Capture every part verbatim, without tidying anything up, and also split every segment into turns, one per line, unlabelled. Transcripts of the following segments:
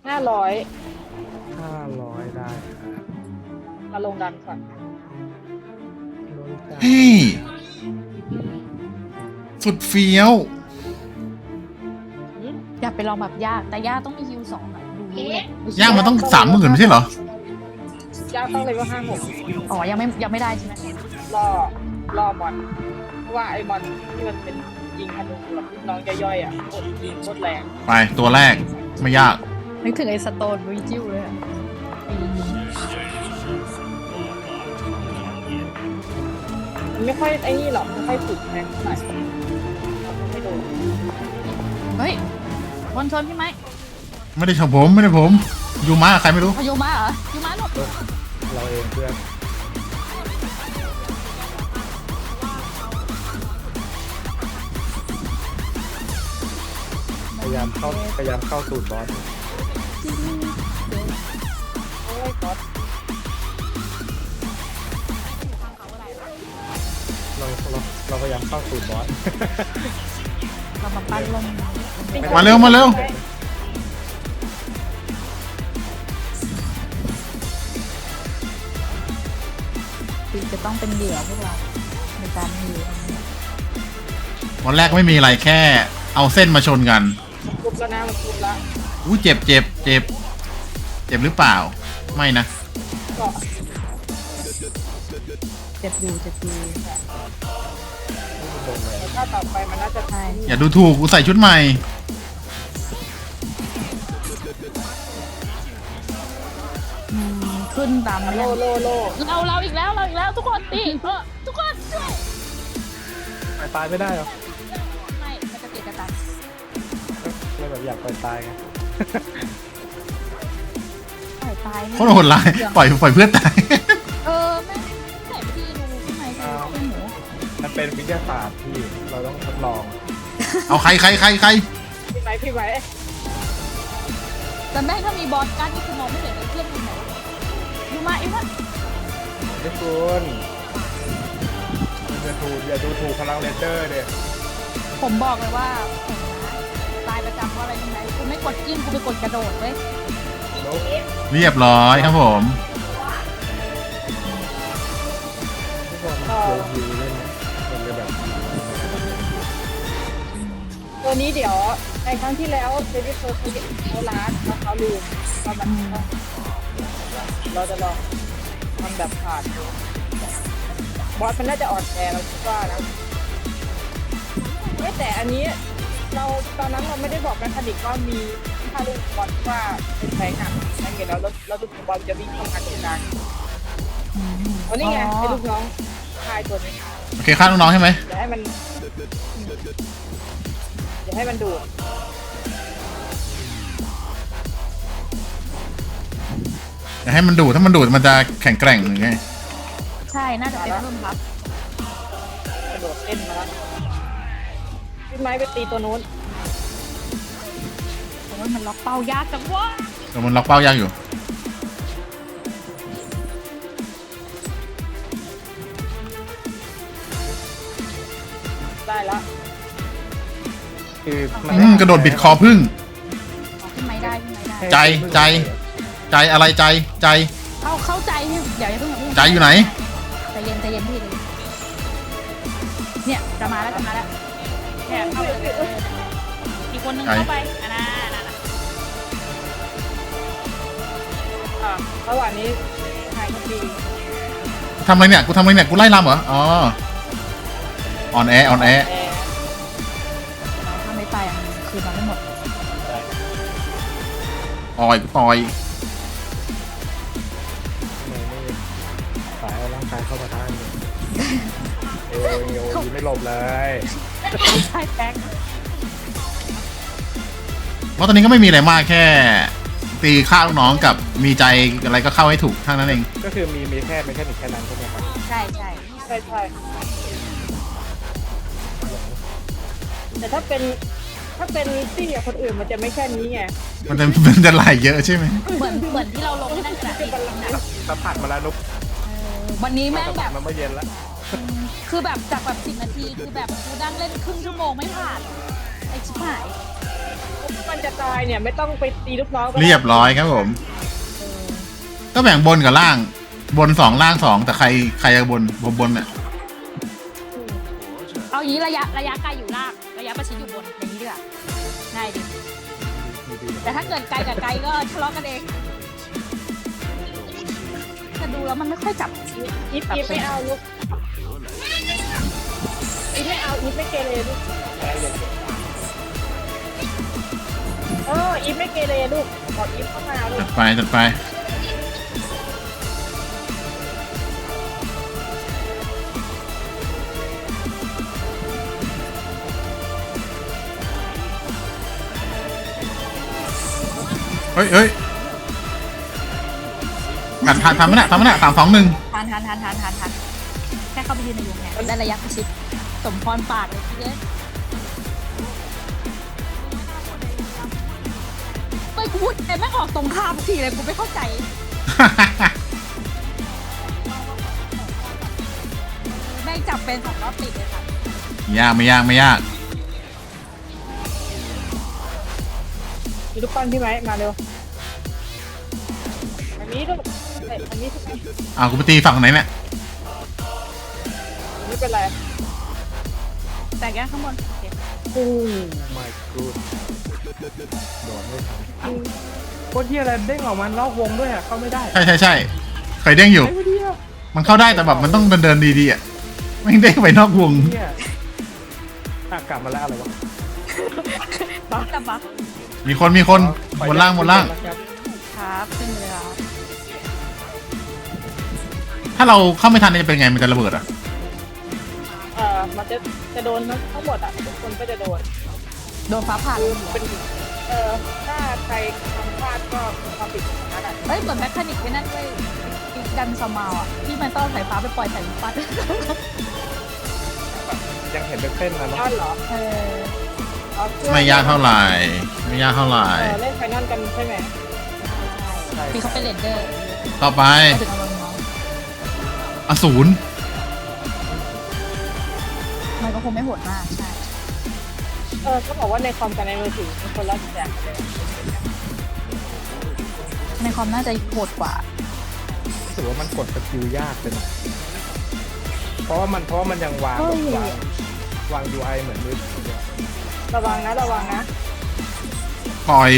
ห้าร้อย
ห้าร้อยได้
มาลงดันก่อน
เฮ้ยสุดเฟี้ยว
อยากไปลองแบบยากแต่ยากต้องมีฮิวสองอะดูรู้เลย
ย่างมันต้องสามหมื่นไม่ใช่เหร
ยากต้องเลยว่าห้าหก
อ๋อยังไม่ยังไม่ได้ใช่ไหม
รอรอมอนเพราะว่าไอ้มอนที่มันเป็นยิงธนูแบบลูกน้องย่อยๆอ่ะกดยิงโคตรแรง
ไปตัวแรกไม่ยาก
นึกถึงไอ้สโตนวิจิวเลยอะ
มันไม่ค่อยไอ้นี่หรอกไม่ค่อยฝึกแรงเท่าไหร่ไม่โดน
เฮ้ยบนชนพี่ไหม
ไม่ได้ชมผมไม่ได้ผมยูมาใครไม่รู้
เอายูมาเหรอยูมาหลบ
เราเองเพื่อนพยายามเข้าพยายามเข้าสูตรบอส
โอ้ยก๊อต
เราเราเราพยายามเข้าสูตรบอส
เรามาปั้นลม
มาเร็วมาเร็ว
คือจะต้องเป็นเหยื่อพวกเราในการฮิว
วันแรกไม่มีอะไรแค่เอาเส้นมาชนกัน
ทุบแล้วนะมันทุบแล้ว
อู้เจ็บเจ็บเจ็บเจ็บหรือเปล่าไม่นะ
ก็
เจ็บอยู่เจ็บอยู่
ถ้าต่อไปมันน่าจะ
ใช่
อย่าดูถูกกูใส่ชุดใหม่
อืมขึ้นตามมา
โล
ยัง
โลโล
เราเราอีกแล้วเราอีกแล้วทุกคนตีเออทุกคนช่วย
ไปตายไม่ได้หรอ
ไม่มันจะติดกระตัน
เราแบบอยากไปตายไง
ปล่อยตาย
โคตรโหดร้ายปล่อยปล่อยเพื่อนตาย
เออแม่งใส่พี่ดูข้างในคือเป็นหมู
มันเป็นวิทยาศาสตร์ที่เราต้องทดลอง
เอาใครใครใครใคร
พี่ไหมพี่ไหม
แต่แม่งถ้ามีบอสการ์ดนี่คือมองไม่เห็นเลยเพื่อนคุณไหนดูมาอีกวะ
ทุกคนอย่าดูอย่าดูถูกพลังเลนเจอร์เด็
ผมบอกเลยว่าผมนะตายประจำว่าอะไรยังไงกูไม่กดจิ้มกูไปกดกระโดดเว้ย
เรียบร้อยครับผม
ทุกคนเดี๋ยวฮิวเล่นมันจะแบบ
ตัวนี้เดี๋ยวในครั้งที่แล้วเดวิดโซเขาเขาล้านแล้วเขาลืมว่ามันต้องเราจะลองทำแบบขาดดูบอสมันน่าจะอ่อนแอเราคิดว่านะไม่แต่อันนี้เราตอนนั้นเราไม่ได้บอกกันคดิกว่ามีถ้าลูกบอลว่าเป็นแฟงอ่ะนั่นไงแล้วแล้วลูกบอลจะวิ่งเข้ามาตรงกลางเพราะนี่ไงไอ้ลูกน้องชายตัวนี้
โอเคฆ่าน้องๆใช่ไหม
อย่าให้มันอย่าให้มันดูด
อย่าให้มันดูดถ้ามันดูดมันจะแข็งแกร่งหรือไง
ใช่น่าจะเป็นเพิ่มครับ
กระโดดเต้นมาแล้วพี่ไม้ไปตีตัวนู้น
แต่ว่ามันล็อกเป้ายากจังวะ
แต่มันล็อกเป้ายากอยู่
ได้ละ
คือ
อืมกระโดดบิดคอพึ่ง
เอาขึ้นไม้ได้ขึ้นไม้ได้
ใจใจใจอะไรใจใจ
เข้าเข้าใจเนี่ยเดี๋ยวอย่าเพิ่งอย่าเพิ่ง
ใจอยู่ไหน
ใจเย็นใจเย็นพี่เลยเนี่ยจะมาแล้วจะมาแล้วเนี่ยเข้าไปเลยอีกคนนึงเข้าไปอันนั้นอันนั้น
อ่ะระหว่างนี้ชายก็ตี
ทำอะไรเนี่ยกูทำอะไรเนี่ยกูไล่ลำเหรออ๋อออนแอออนแอ
แอร์
ถ้าไม่ตายมันคืนมาไม่หมด
ต่อยกูต่อย
ไม่ไม่สายเอาร่างกายเข้ามาท่านเอวเอวยิงไม่หลบเลย
ใช่แป๊ก
เพราะตอนนี้ก็ไม่มีอะไรมากแค่ ตีฆ่าลูกน้องกับมีใจอะไรก็เข้าให้ถูกเท่านั้นเอง
ก็คือมีมีแค่ไม่แค่หนึ่งแค่นั้นใช่ไหมครับ
ใช่ใช่
ใช่ใช่แต่ถ้าเป็นถ้าเป็นตี้กับคนอื่นมันจะไม่แค่นี้ไง
มันจะมันจะไหลเยอะใช่ไหม
เหมือนเหมือนที่เราลงนั่นกระดาษ
เป็นบัลลังก์นะ
สัมผัสมาแล้วนุ๊ก
วันนี้แม่งแบบ
มันเมื่อเย็นแล้ว
คือแบบจากแบบสิบนาทีคือแบบกูนั่งเล่นครึ่งชั่วโมงไม่ผ่านไอ้ชิบหาย
มันมันจะตายเนี่ยไม่ต้องไปตีลูกน้องก็ได้
เรียบร้อยครับผม
เออ
ก็แบ่งบนกับล่าง บนสองล่างสองแต่ใครใครจะบนผมบนเนี่ย
เอาอย่างนี้ระยะระยะไกลอยู่ล่างระยะประชิดอยู่บนอย่างนี้ดีกว่าง่ายดีแต่ถ้าเกิดไกลกับไกลก็ทะเลาะกันเองแต่ดูแล้วมันไม่ค่อยจับ
อีฟอีฟไม่เอาลูกอีฟไม่เอาอีฟไม่เกเรลูกเอออีฟไม่เกเรลูกบอกอีฟเข้ามาลู
จั
ก
ดไปจัดไปเฮ้ยเฮ้ยทำทำทำไม่ได้ทำไม่ได้สามสองหนึ่ง
ทันทันทันทันทันทันแค่เข้าไปยืนในวงแหวนได้ระยะประชิดสมพรปากเลยทีเดียวเฮ้ยกูพูดแต่ไม่ออกตรงข้ามทุกทีเลยกูไม่เข้าใจแม่งจับเป็นสองรอบติดเลยค่ะ
ยากไม่ยากไม่ยาก
มีลูกปั้นพี่ไหมมาเร็วอันนี้ลูกเอ้ยอันนี้ทุกคน
อ้าวกูไปตีฝั่งไหนเนี่ย
ไม่เป็นไร
แต่แกข้างบนโอเค
อืม
ไม่กูโดนไม่ทันโคตรเหี้ยอะไรเด้งออกมานอกวงด้วยอ่ะเข้าไม่ได้
ใช่ใช่ใช่เคยเด้งอยู่
ไอ้เหี้ย
มันเข้าได้แต่แบบมันต้องเดินเดินดีๆอ่ะไม่งเด้งไปนอกวง
เหี้ยอ่ะกลับมาแล้วอะไรวะ
บักกับบัก
มีคนมีคนบนล่างบนล่าง
ครับขึ้นเลยครับ
ถ้าเราเข้าไม่ทันจะเป็นไงมันจะระเบิดอ่ะ
เอ่อมันจะจะโดนทั้งหมดอ่ะทุกคนก็จะโดน
โดนฟ้าผ่าล
คือง เป็นเอ่อถ้าใครทำพลาดก็ความผิดของนั้นอ่ะ
เฮ้ยเหมือนแมคคานิกไว้นั่นด้วยอีกดันสมาวอ่ะที่มันต้องสายฟ้าไปปล่อยใส่ลูกปัด
ยังเห็นเป็นเส้นนะเนาะ
ย้อนเหรอ
เออ
เอาเครื่อง
ไม่ยากเท่าไหร่ไม่ยากเท่าไหร่
เออเล่นไฟนอลกันใช่ไหม
พี่เขาเป็นเลนเดอร์
ต่อไป
ก็ถึงเอาลงน้อง
อสูร
มันก็คงไม่โหดมากใช่
เออเขาบอกว่าในคอมกับในมือถือเป็นคนละแบบกันเลย
ในคอมน่าจะโหดกว่า
รู้สึกว่ามันกดสกิลยากไปหน่อยเพราะว่ามันเพราะว่ามันยังวางแบบวางวาง ยู ไอ เหมือนมือถือเนี่ย
ระวังนะระวังนะ
ปล่อย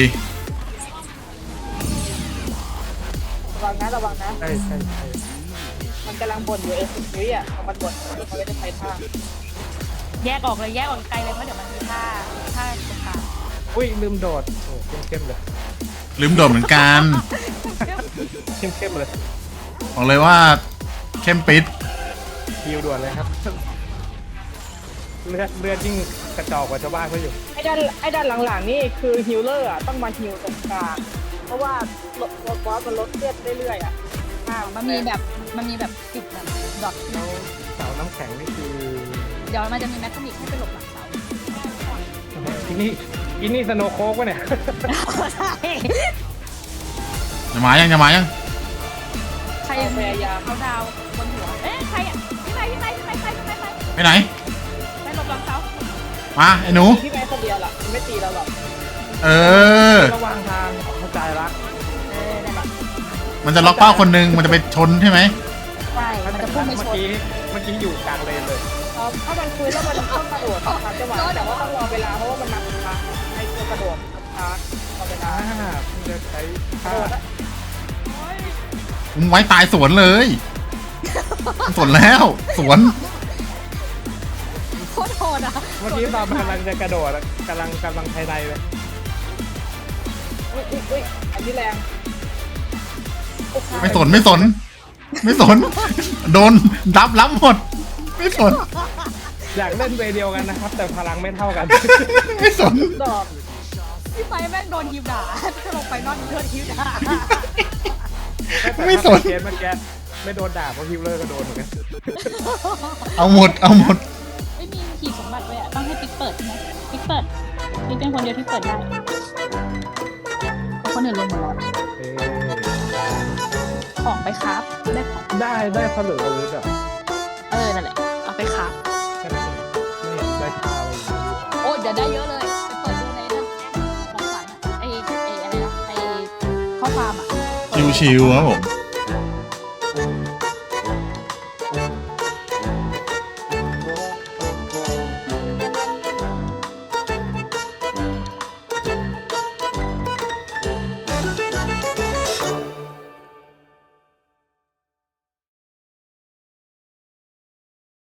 ระวังนะระวังนะ
ใช่ใช่ใช่
มันกำลังบ่นอยู่เออสิบวิอ่ะพอมันบ่นมันก็จะไปท่า
แยกออกเลยแยกออกไกลเลยเพราะเดี๋ยวมันมีท่าท่าตรงกลาง
อุ้ยลืมโดดโอ้เข้มๆเลย
ลืมโดดเหมือนกัน
เข้มๆเลย
บอกเลยว่าเข้มปิด
ฮิวด่วนเลยครับ เลือดเลือดยิ่งกระจอกกว่าชาวบ้านเขาอยู่
ไอ้ด้านไอ้ด้านหลังๆนี่คือฮิลเลอร์อ่ะต้องมาฮิลตรงกลางเพราะว่าลดลดบอสมันลดเลือดเรื่อยๆอ่ะอ่า
มันมีแบบมันมีแบบติดแบบดอท
แล้วเสาน้ำแข็งนี่คือ
เดี๋ยวมันจะมีแมคคานิกให้ไปหลบหลังเสา
ที่นี่อินนี่สโนว์โคกวะเนี่ย
ใช่
จะมายังจะมายัง
ใครยังพยายามเขาดาวบนหัวเอ๊ะใครอ่ะพี่ไปพี่ไปพี่ไปไปพี่ไปไป
ไปไหน
ไปหลบหลังเสา
มาไอ้หนู
ที่แม่คนเดียวล่ะมันไม่ตีเราหรอก
เออ
ระหว่างทางเข้าใจละ
เออนั่นแหละ
มันจะล็อกเป้าคนหนึงมันจะไปชนใช่ไหม
ใช่มันจะพุ่งไป
เมื่
ช
อน กี้เมื่อกี้อยู่กลางเลนเลย
เออถ้ามันคุยแล้วมันต้องกระโดดตามจังหวะแต่ว่าต้องรอเวลาเพราะว่ามันนับช้าไอ้ตัวกระโดดมันช้ารอเวลา
อ่าเพิ่งจะใช้
กระ
ท่า
โดดอะ
ผมไว้ตายสวนเลยสวนแล้วสวน
โคตรโหดอ่ะ
เมื่อกี้ตอนกำลังจะกระโดดอะกำลังกำลังภายในเลย
อุ้ยอุ้ยอุ้ยอันนี้แรงโอ้โห
ไม่สนไม่สน ไม่สน โดนรับรับหมด ไม่สน
อยากเล่นเวย์เดียวกันนะครับ แต่พลังไม่เท่ากัน
ไม่สน
ดอก
พี่ไปแม่งโดนฮิวด่าถ้าลงไปนอนโดนฮิวด่า
ไม่สน
เคสเมื่อกี้ไม่โดนด่าเพราะฮิวเลอร์ก็โดนเหมือนกัน
เอาหมดเอาหมด
ไม่มีขีดสมบัติเลยอ่ะต้องให้ปิ๊กเปิดใช่ไหมปิ๊กเปิดปิ๊กเป็นคนเดียวที่เปิดได้เพราะคนอื่นลงหมดแล้ว
เอ๊ะ
ของไปครับได้ของ
ได้ได้ผลึกอาวุธอ่ะ
เออนั่นแหละเอาไปครับ
แค่นั้นเองไม่เห็นได้ท่าอะไรอย่างนี้
โอ้ยเดี๋ยวได้เยอะเลยไปเปิดดูในนั้นของขวัญอะฟาร์มอ่ะ
ชิวๆครับผม